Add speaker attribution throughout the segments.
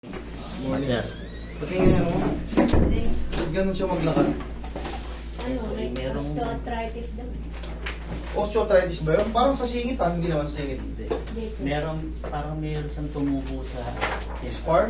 Speaker 1: Master.
Speaker 2: Patingin mo. Ba't ganun siya maglakad?
Speaker 3: Ano,
Speaker 1: Okay,
Speaker 3: like
Speaker 1: merong-
Speaker 3: osteoarthritis daw.
Speaker 2: Osteoarthritis ba yun? Parang sa singit hindi naman sa singit.
Speaker 1: Hindi.
Speaker 3: Dito.
Speaker 1: Parang meron siyang tumubo sa
Speaker 2: Spar?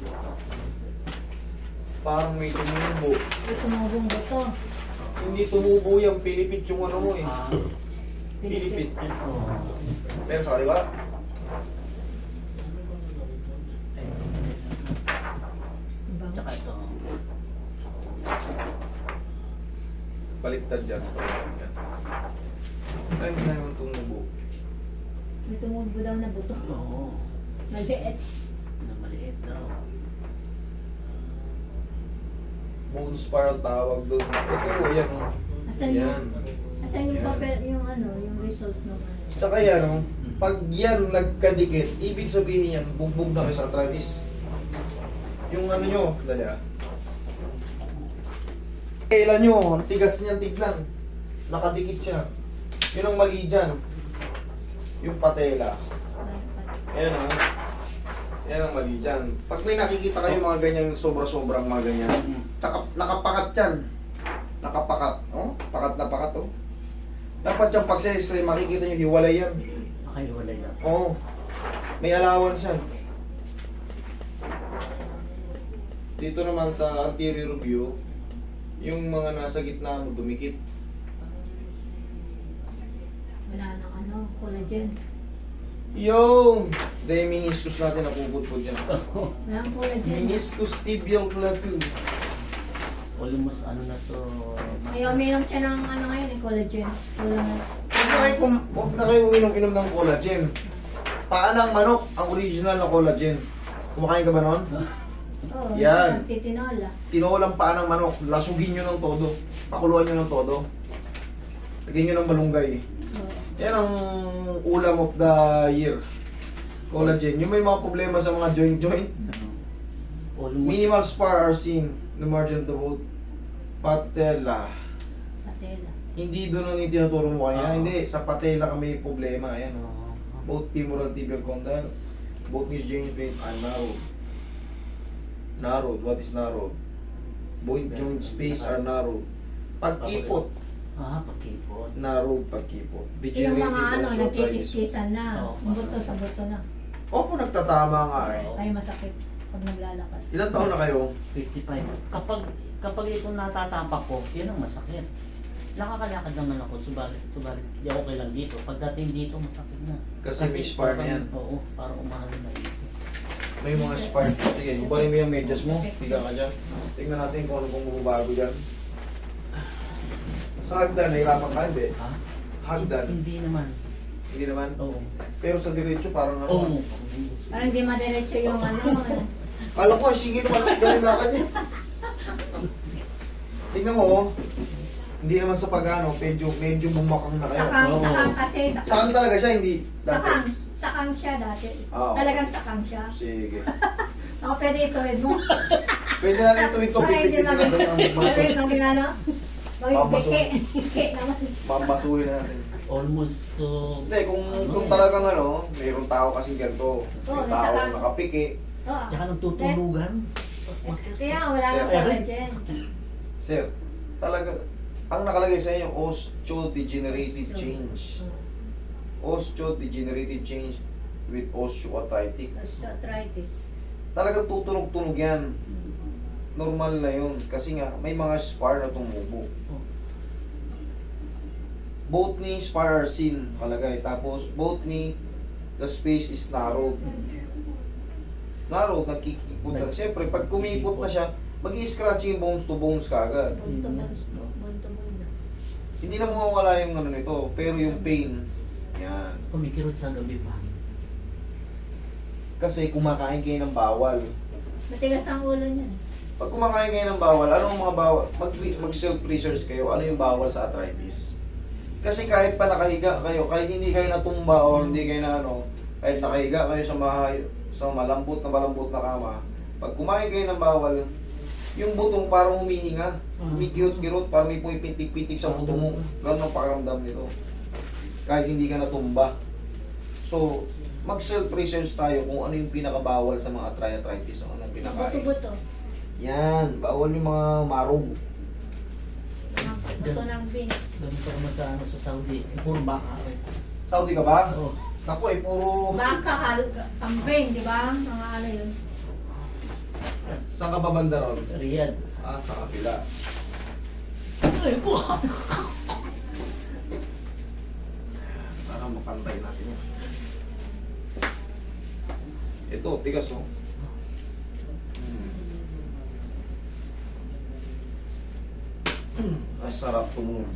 Speaker 2: Parang may tumubo.
Speaker 3: May tumubong buto.
Speaker 2: Hindi tumubo yan, pilipit yung ano mo eh.
Speaker 3: Pilipit.
Speaker 1: Ito.
Speaker 2: Pero sa kaliwa,
Speaker 3: Bang.
Speaker 1: Tsaka ito.
Speaker 2: baliktad dyan. Yan. Ay, hindi naman tumubo.
Speaker 3: May tumubo daw na buto.
Speaker 1: Oo.
Speaker 3: Maliit.
Speaker 1: Na maliit daw.
Speaker 2: Bone spar ang tawag doon. Ito, yan o.
Speaker 3: Asan
Speaker 2: Yan.
Speaker 3: yung, asan yung
Speaker 2: Yan.
Speaker 3: papel, yung ano, yung result ng ano.
Speaker 2: Tsaka yan o. Pag yan nagkadikit, ibig sabihin yan, bugbog na kayo sa arthritis. Yung ano nyo, dali ah. Kailan nyo, ang tigas niyan tignan. Nakadikit siya. Yun ang mali dyan. Yung patela. Ayan o. Yan ang mali dyan. Pag may nakikita kayo mga ganyang sobra-sobrang mga ganyan, tsaka nakapakat yan. Nakapakat. Oh, pakat na pakat oh. Dapat yung pag sa x-ray, makikita nyo, hiwalay yan.
Speaker 1: Nakahiwalay lang.
Speaker 2: Oo. May allowance yan. Dito naman sa anterior view, yung mga nasa gitna mo dumikit.
Speaker 3: Wala nang ano, collagen.
Speaker 2: Yung! Dahil meniscus natin napupudpud yan.
Speaker 3: Wala nang collagen.
Speaker 2: Meniscus tibial plateau.
Speaker 1: Almost ano na to.
Speaker 3: Kaya uminom siya ng ano ngayon, eh, collagen. Wala na.
Speaker 2: Huwag na kayo uminom-inom ng collagen. Paa ng manok, ang original na collagen. Kumakain ka ba nun?
Speaker 3: Oo,
Speaker 2: Yan.
Speaker 3: titinola.
Speaker 2: Tinolang paa ng manok, lasugin nyo ng todo. Pakuluan nyo ng todo. Lagyan nyo ng malunggay.
Speaker 3: Oo.
Speaker 2: Yan ang ulam of the year. Collagen. Yung may mga problema sa mga joint-joint,
Speaker 1: Almost.
Speaker 2: minimal spar are seen in the margin of the boat. Patella.
Speaker 3: Patela.
Speaker 2: Hindi doon ang itinuturo mo kanina.
Speaker 1: Ah.
Speaker 2: Hindi, sa patella kami problema. Ayan. Oh.
Speaker 1: Oo.
Speaker 2: Both femoral tibial condyle, both knees joints are narrowed. Narrowed. What is narrowed? Both joint space are narrowed. Pagkipot,
Speaker 1: Pagkipot.
Speaker 2: narrowed pagkipot.
Speaker 3: Kasi yung mga ano,
Speaker 2: osteoarthritis.
Speaker 3: nagkikiskisan na.
Speaker 1: Oo.
Speaker 3: Buto sa buto na.
Speaker 2: Opo, nagtatama nga eh.
Speaker 3: Ay masakit pag naglalakad.
Speaker 2: Ilan taon na kayo?
Speaker 1: 55. Kapag ito natatapak ko, yun ang masakit. Nakakalakad naman ako, subalit, di okay lang dito. Pagdating dito, masakit na.
Speaker 2: Kasi may spar na yan.
Speaker 1: Oo, parang umahal na dito.
Speaker 2: May mga spar. Sige, ibalin mo yung medyas mo. Higa ka dyan. Tingnan natin kung ano pong bumabago dyan. Sa hagdan, nahirapan ka, hindi?
Speaker 1: Ha?
Speaker 2: Hagdan.
Speaker 1: Hindi naman.
Speaker 2: Hindi naman.
Speaker 1: Oo.
Speaker 2: Pero sa diretso, parang ano.
Speaker 1: Oo.
Speaker 3: Parang di madiretso yung ano.
Speaker 2: Kala ko, sige naman, ganun na kanya. Tingnan mo, oh. Hindi naman sa pag-ano, medyo bumakang na kayo.
Speaker 1: Oo.
Speaker 3: Sakang kasi.
Speaker 2: Saan talaga siya, hindi dati?
Speaker 3: Sakang siya dati.
Speaker 2: Oo.
Speaker 3: Talagang sakang siya.
Speaker 2: Sige.
Speaker 3: Ako pwede ituwid mo.
Speaker 2: Pwede natin ito,
Speaker 3: Ay, hindi
Speaker 2: pipitin natin ang
Speaker 3: Pwede
Speaker 2: maso.
Speaker 3: maging ano? Maging
Speaker 2: Pamaso.
Speaker 3: pike naman.
Speaker 2: Mamasuhin natin.
Speaker 1: Almost to...
Speaker 2: Hindi, kung talagang ano, mayroong tao kasing ganito.
Speaker 3: Oo,
Speaker 2: May tao
Speaker 3: nasa-
Speaker 2: nakapiki.
Speaker 3: Oo.
Speaker 1: Tsaka nagtutulugan.
Speaker 3: Kaya wala nang
Speaker 1: Eh,
Speaker 3: collagen.
Speaker 2: Sir, talaga, ang nakalagay sa inyo, osteodegenerative change. Osteodegenerative change with osteoarthritis.
Speaker 3: Osteoarthritis.
Speaker 2: Talagang tutunog-tunog yan. Normal na yun. Kasi nga, may mga spar na tumubo. Both knee spar are seen, kalagay. Tapos, both knee, the space is narrowed. Narrowed, nagkikipot lang. Siyempre, pag kumipot na siya, mag-i-scratching bones to bones kagad.
Speaker 3: Bunto na.
Speaker 2: Hindi na mawawala yung ano nito, pero yung pain, yan.
Speaker 1: Kumikirot sa gabi pa.
Speaker 2: Kasi kumakain kayo ng bawal.
Speaker 3: Matigas ang ulo niyan.
Speaker 2: Pag kumakain kayo ng bawal, anong mga bawal? Mag-self-research kayo, ano yung bawal sa arthritis? Kasi kahit pa nakahiga kayo, kahit hindi kayo natumba o hindi kayo na ano, kahit nakahiga kayo sa malambot na kama, pag kumain kayo ng bawal, yung butong parang humihinga, kumikirot-kirot, parang may pumipitik-pitik sa buto mo. Ganun ang pakiramdam nito. Kahit hindi ka natumba. So, Mag-self-research tayo kung ano yung pinakabawal sa mga arthritis, o anong pinakain.
Speaker 3: Buto-buto.
Speaker 2: Yan, bawal yung mga marog.
Speaker 3: Buto ng beans.
Speaker 1: Ganun pa naman sa, ano, sa Saudi. Puro baka rin.
Speaker 2: Saudi ka ba?
Speaker 1: Oo.
Speaker 2: Naku puro...
Speaker 3: Baka, kambing, di ba? Mga ano yun.
Speaker 2: Saan ka ba banda ron?
Speaker 1: Riyadh.
Speaker 2: Sa kapila.
Speaker 1: Ay po!
Speaker 2: Para mapantay natin yan. Ito, tigas oh. Ay, sarap tumunog.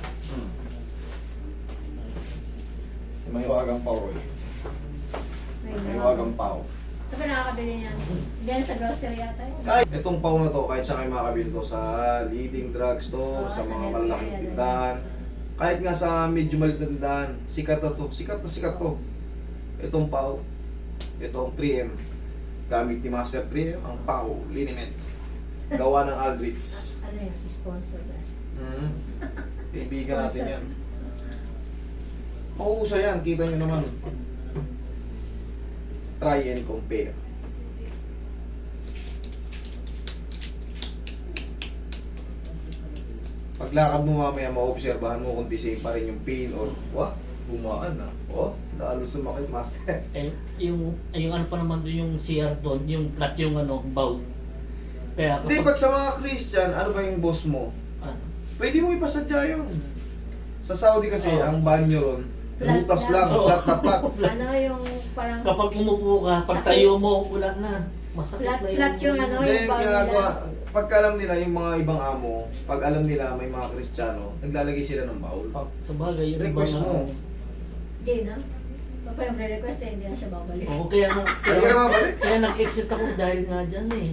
Speaker 2: May wagang pao eh. May wagang pao.
Speaker 3: So, nakakabili niyan. Diyan sa grocery yata yun.
Speaker 2: Kahit itong pao na to, kahit saan kayo makakabili to sa leading drugstore,
Speaker 3: Oo,
Speaker 2: sa
Speaker 3: sa
Speaker 2: mga
Speaker 3: Nivea,
Speaker 2: malalaking
Speaker 3: ganun.
Speaker 2: tindahan, kahit nga sa medyo maliit na tindahan, sikat na to, sikat to. Itong pao, itong 3M, gamit ni Master 3M, ang pao, liniment. Gawa ng Aldrich.
Speaker 3: Ano yun? Sponsor ba?
Speaker 2: Kaibigan natin yan. Mauusa yan, kita nyo naman. Try and compare. Paglakad mo mamaya, maobserbahan mo kung the same pa rin yung pain or bumaan na. Lalo sumakit, master.
Speaker 1: Yung ano pa naman doon yung CR doon, yung flat yung ano, bowl. Kaya
Speaker 2: Hindi, pag sa mga Christian, ano ba yung boss mo?
Speaker 1: ano,
Speaker 2: Pwede mo ipasadya yun. Sa Saudi kasi,
Speaker 1: Oo.
Speaker 2: ang banyo ron,
Speaker 3: Flat
Speaker 2: butas
Speaker 3: lang.
Speaker 2: lang,
Speaker 1: Oo.
Speaker 2: flat na flat.
Speaker 3: Ano yung parang...
Speaker 1: kapag umupo ka, pag
Speaker 3: Sakit.
Speaker 1: tayo mo, wala na. Masakit
Speaker 3: Flat-
Speaker 1: na
Speaker 3: flat yung ano,
Speaker 2: Hindi,
Speaker 3: yung banyo
Speaker 2: ginagawa,
Speaker 3: nila.
Speaker 2: pagka alam nila yung mga ibang amo, pag alam nila may mga Kristiyano, naglalagay sila ng baul.
Speaker 1: Sa bagay, yung
Speaker 2: Request
Speaker 1: ibang,
Speaker 2: mo.
Speaker 3: Hindi na. Papa yung re-request eh, hindi na siya babalik.
Speaker 1: Oo, kaya
Speaker 2: Hindi ka na mabalik?
Speaker 1: kaya nag-exit ako dahil nga dyan eh.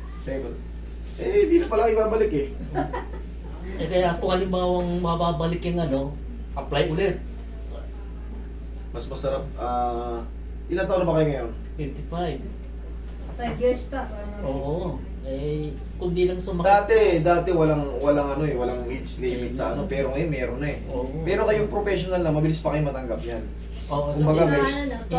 Speaker 2: Di na pala ibabalik eh.
Speaker 1: Kaya kung halimbawang mababalik yung ano, apply ulit.
Speaker 2: Mas masarap, ilan taon na ba kayo ngayon?
Speaker 1: 25.
Speaker 3: 5 years pa, parang mga
Speaker 1: Oo. Kung di lang sumakit.
Speaker 2: Dati walang walang age limit sa ano, pero ngayon meron na eh.
Speaker 1: Oo.
Speaker 2: Pero kayong professional na, mabilis pa kayo matanggap yan.
Speaker 1: Oo,
Speaker 2: Kumbaga,
Speaker 1: kasi,
Speaker 2: may-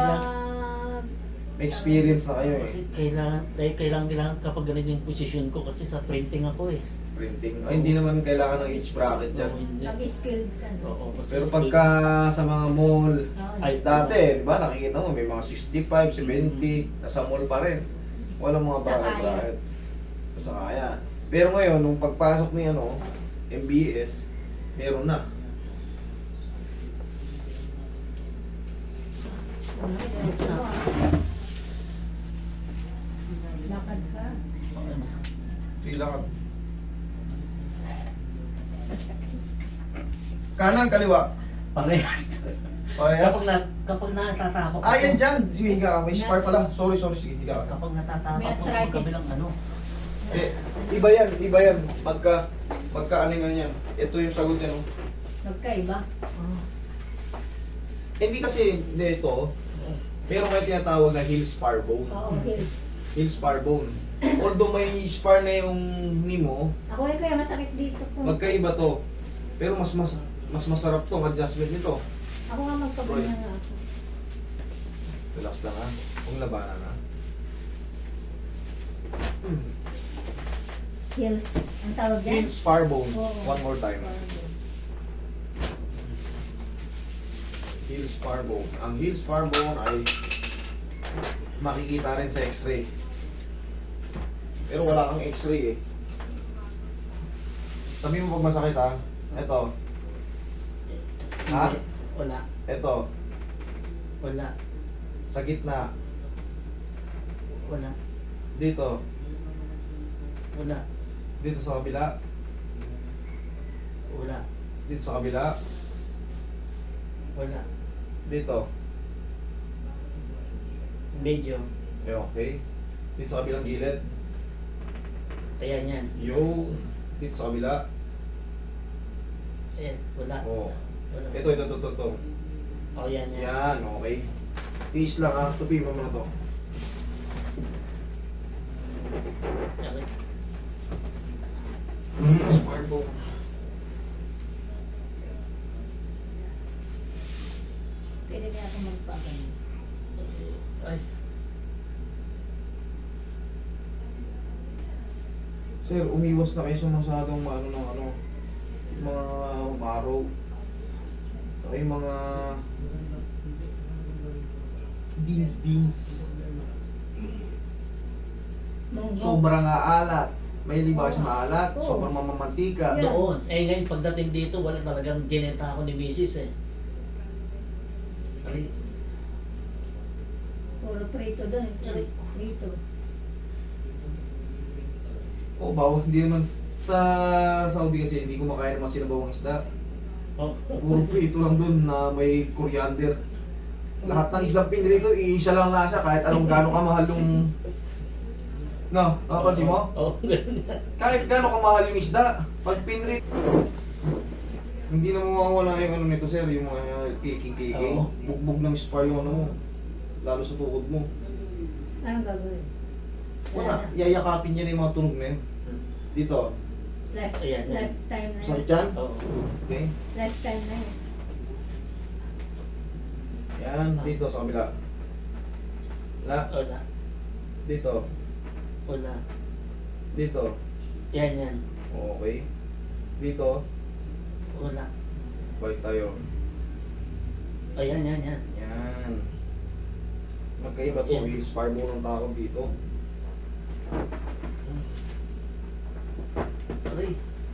Speaker 2: May experience na kayo eh.
Speaker 1: kasi kailangan kapag ganun yung posisyon ko kasi sa printing ako eh.
Speaker 2: Printing. Ay, hindi naman kailangan ng age bracket dyan.
Speaker 1: Oo, hindi.
Speaker 3: Pag-skilled ka. no?
Speaker 1: Oo, kasi
Speaker 2: Pero pagka sa mga mall,
Speaker 1: Ay,
Speaker 2: dati, di ba, nakikita mo, may mga 65, 70, nasa mall pa rin. Walang mga
Speaker 3: Basta
Speaker 2: bracket
Speaker 3: kaya.
Speaker 2: bracket. Basta kaya. Pero ngayon, nung pagpasok ni MBS, meron na.
Speaker 3: Lakad ka.
Speaker 1: Okay, masakit.
Speaker 2: Sige lakad. Kanan, kaliwa.
Speaker 1: Parehas.
Speaker 2: Parehas.
Speaker 1: Kapag natatapak
Speaker 2: Ah, yan dyan. Sige, higa ka. May spar pala. Sorry, sige, higa ka.
Speaker 1: Kapag natatapak
Speaker 3: May
Speaker 1: ko sa
Speaker 3: arthritis.
Speaker 1: kabilang ano.
Speaker 2: Iba yan. Pagka alingan yan. Ito yung sagot yan. Oh.
Speaker 3: Magkaiba.
Speaker 2: Hindi kasi, hindi ito. Meron kayo tinatawag na heel spar bone.
Speaker 3: Oo, heels.
Speaker 2: Heel spar bone. Although may spar na yung knee mo,
Speaker 3: Ako rin kaya masakit dito po.
Speaker 2: magkaiba to. Pero mas masarap to ang adjustment nito.
Speaker 3: Ako nga magpaganyan na ako.
Speaker 2: Relax lang ha. Kung labanan ha.
Speaker 3: Heels. Ang tawag dyan?
Speaker 2: Heel spar bone.
Speaker 3: Oo.
Speaker 2: One more time. Heel spar bone. Ang heel spar bone ay makikita rin sa x-ray. Pero wala kang x-ray eh. Sabi mo pag masakit ha. Ito. Ha?
Speaker 1: Wala.
Speaker 2: Ito.
Speaker 1: Wala.
Speaker 2: Sa gitna.
Speaker 1: Wala.
Speaker 2: Dito.
Speaker 1: Wala.
Speaker 2: Dito sa kabila.
Speaker 1: Wala.
Speaker 2: Dito sa kabila.
Speaker 1: Wala.
Speaker 2: Dito.
Speaker 1: Medyo.
Speaker 2: Okay. Dito sa kabilang gilid.
Speaker 1: Ayan yan.
Speaker 2: Yung. Dito sa kabila.
Speaker 1: Ayan. Wala.
Speaker 2: Oo.
Speaker 1: Wala.
Speaker 2: Ito.
Speaker 1: Oh, yan yan.
Speaker 2: Yan, okay. Tiis lang ha. Tupi mo muna to.
Speaker 1: Okay.
Speaker 2: Spar bone.
Speaker 3: Pwede kaya ako magpaganyan.
Speaker 1: Ay,
Speaker 2: Sir, umiwas na kayo sa masyadong ano ng ano, yung mga umaraw. Saka yung mga beans.
Speaker 3: Munggo.
Speaker 2: Sobrang aalat. May liba siya maalat,
Speaker 3: Oo.
Speaker 2: sobrang mamamantika.
Speaker 3: Yeah.
Speaker 1: doon. Eh ngayon pagdating dito, wala talagang gineta ako ni Mrs. eh. Ay,
Speaker 3: Puro prito doon. Prito.
Speaker 2: Oo, bawa, hindi naman. Sa Saudi kasi, hindi kumakain naman sinabawang isda.
Speaker 1: oh.
Speaker 2: Puro prito lang doon na may coriander. Lahat ng islang pinrito, iisa lang lasa kahit anong gano'ng kamahal yung... No, napapansin mo?
Speaker 1: Oo, ganun na.
Speaker 2: Kahit gano'ng kamahal yung isda, pag pinrit... Hindi na mawawala yung ano nito sir, yung mga clicking.
Speaker 1: Oo.
Speaker 2: Bugbog ng spar yung ano mo. Lalo sa tukod mo.
Speaker 3: Anong gagawin?
Speaker 2: Wala, yayakapin niya na yung mga tunog na yun. Dito,
Speaker 1: Ayan, yan.
Speaker 3: Lifetime na
Speaker 2: sa
Speaker 3: yun.
Speaker 2: tiyan.
Speaker 1: Oo.
Speaker 2: Okay.
Speaker 3: Lifetime na yun.
Speaker 2: Yan, dito sa kabila.
Speaker 1: Wala.
Speaker 2: Dito.
Speaker 1: Wala.
Speaker 2: Dito.
Speaker 1: Yan, yan.
Speaker 2: Okay. Dito.
Speaker 1: Wala.
Speaker 2: Balik tayo.
Speaker 1: Ayan, yan, yan.
Speaker 2: Yan. Magkaiba to.
Speaker 1: Yan.
Speaker 2: Yung spar mo ng tawag dito.
Speaker 1: Aray.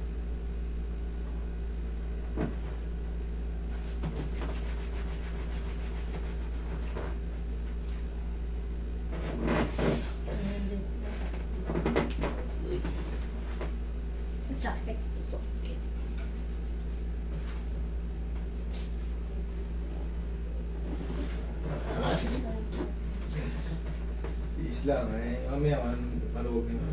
Speaker 3: Ayun, this- Masakit.
Speaker 1: Sakit.
Speaker 2: Is lang eh. Mamaya maluwag na.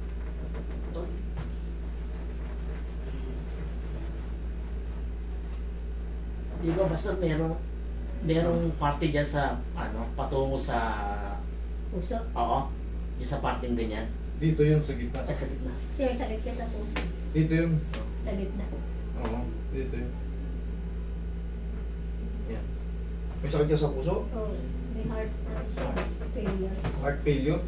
Speaker 1: Di ba basta merong party dyan sa, ano, patungo sa,
Speaker 3: Puso.
Speaker 1: oo, dyan sa parting ganyan.
Speaker 2: Dito yun sa gitna.
Speaker 1: Ay, sa gitna.
Speaker 3: Kasi may sakit siya sa puso.
Speaker 2: Dito yun.
Speaker 3: Sa gitna.
Speaker 2: Oo. Dito yun. Yan. May sakit ka sa puso?
Speaker 3: Oh, may heart siya. Failure.
Speaker 2: Heart failure?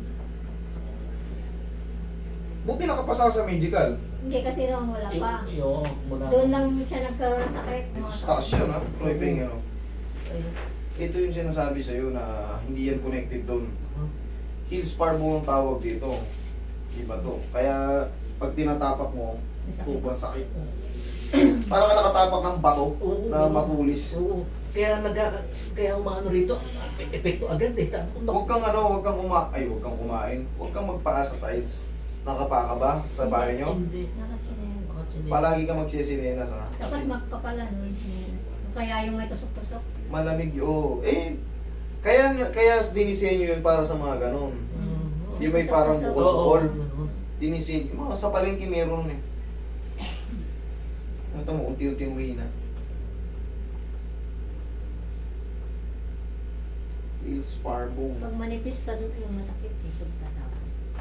Speaker 2: Buti nakapasa ka sa medical.
Speaker 3: Hindi kasi noon wala pa.
Speaker 1: Yung, mula.
Speaker 3: Doon lang siya nagkaroon ng sakit.
Speaker 2: Ito sa taas yun ha. Troy Beng, ano.
Speaker 1: Ay,
Speaker 2: Ito yung sinasabi sa'yo na hindi yan connected doon.
Speaker 1: huh?
Speaker 2: Heel spar mo ang tawag dito. Iba to. Kaya pag tinatapak mo,
Speaker 3: Masakit.
Speaker 2: sobrang sakit. Parang ka nakatapak ng bato
Speaker 1: Oo,
Speaker 2: na
Speaker 1: oo.
Speaker 2: matulis.
Speaker 1: Oo. Kaya umaano rito, epekto agad eh. Sabi ko,
Speaker 2: Huwag kang huwag kang kumain. Huwag kang magpaas sa tiles. Nakapa ka ba sa bahay nyo?
Speaker 1: Hindi.
Speaker 3: Nakachinelas.
Speaker 1: Makachinig.
Speaker 2: Palagi ka magsisinelas ha.
Speaker 3: Dapat
Speaker 2: Kasi
Speaker 3: magkapala no yung chinelas. Kaya yung may tusok-tusok.
Speaker 2: malamig yun. Kaya dinisenyo yun para sa mga ganon.
Speaker 1: Mhm.
Speaker 2: Di ba yung parang
Speaker 3: Oo,
Speaker 2: bukol-bukol?
Speaker 1: Oo.
Speaker 2: Dinisenyo. Mga sa palengke meron eh. Ito mo, unti-unti umuwi na. Heel spar bone.
Speaker 3: Pag manipis pa doon yung masakit, isog ka daw.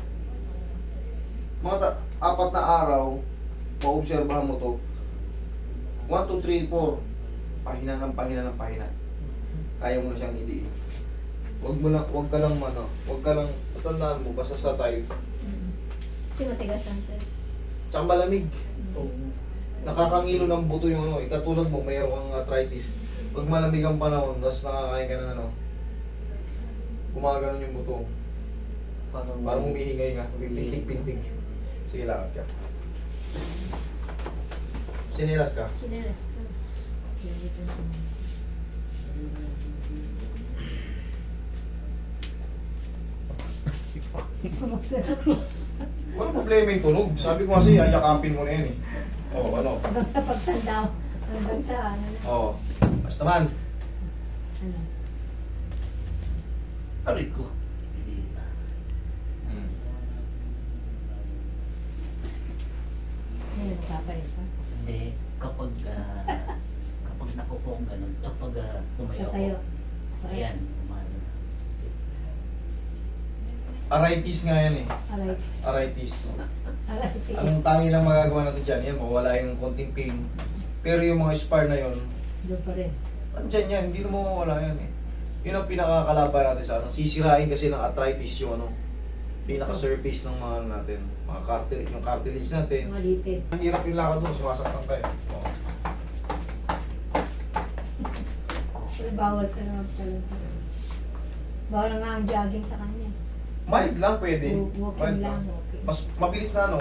Speaker 2: Mga 4 na araw, maobserbahan mo to. 1, 2, 3, 4. Pahina ng pahina. Kaya mo na siyang hindi. Huwag ka lang, tandaan mo, basta sa tiles.
Speaker 3: Kasi matigas ang test.
Speaker 2: Tsaka malamig.
Speaker 1: Oo.
Speaker 2: Nakakangilo ng buto yung ano, katulad mo, mayroong kang arthritis. Pag malamig ang panahon, tapos nakakain ka ng ano, gumaganon yung buto. Parang humihingay nga, pintig-pintig. Sige, lakad ka. Sinilas ka?
Speaker 3: Chinelas ko. Hindi ko sinelas.
Speaker 2: Walang problema yung tunog. Sabi ko kasi, ayakapin mo na yan eh. Oo, ano?
Speaker 3: Hanggang sa pagtanda, hanggang sa ano.
Speaker 2: Oo. Basta man.
Speaker 3: Ano.
Speaker 1: Aray ko.
Speaker 3: May nagpapalit pa.
Speaker 1: Eh, kapag nakupo ko ganun, kapag tumayo ako,
Speaker 3: Tatayo.
Speaker 1: ayan, umano.
Speaker 2: Arthritis nga yan eh.
Speaker 3: Arthritis.
Speaker 2: Arthritis.
Speaker 3: Arthritis.
Speaker 2: Anong tangi lang magagawa natin dyan? Yan, mawala yung konting pain. Pero yung mga spar na yon,
Speaker 3: Doon pa rin.
Speaker 2: andyan yan, hindi na mawawala yan eh. Yun ang pinakakalaban natin sa ano. Sisirain kasi ng arthritis yung ano, pinaka-surface ng mga ano natin. Mga cartilage, yung cartilage natin.
Speaker 3: Mga litid.
Speaker 2: Ang hirap yung lakad mo, sumasaktan kayo. Oh.
Speaker 3: Pero bawal sa loob talaga. Bawal nga ang jogging sa kanya.
Speaker 2: Mild lang pwede.
Speaker 3: Walking
Speaker 2: Mild
Speaker 3: lang.
Speaker 2: lang.
Speaker 3: Okay.
Speaker 2: Mas mabilis na ano.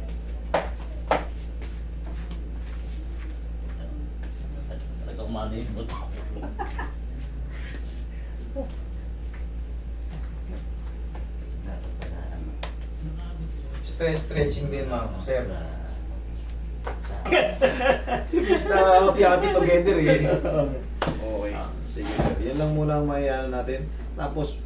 Speaker 1: Talagang umano yung buto.
Speaker 2: Stress stretching din mga sir. Imbis na happy together eh. Okay. Sige sir. Yan lang muna ang mayayaan natin. Tapos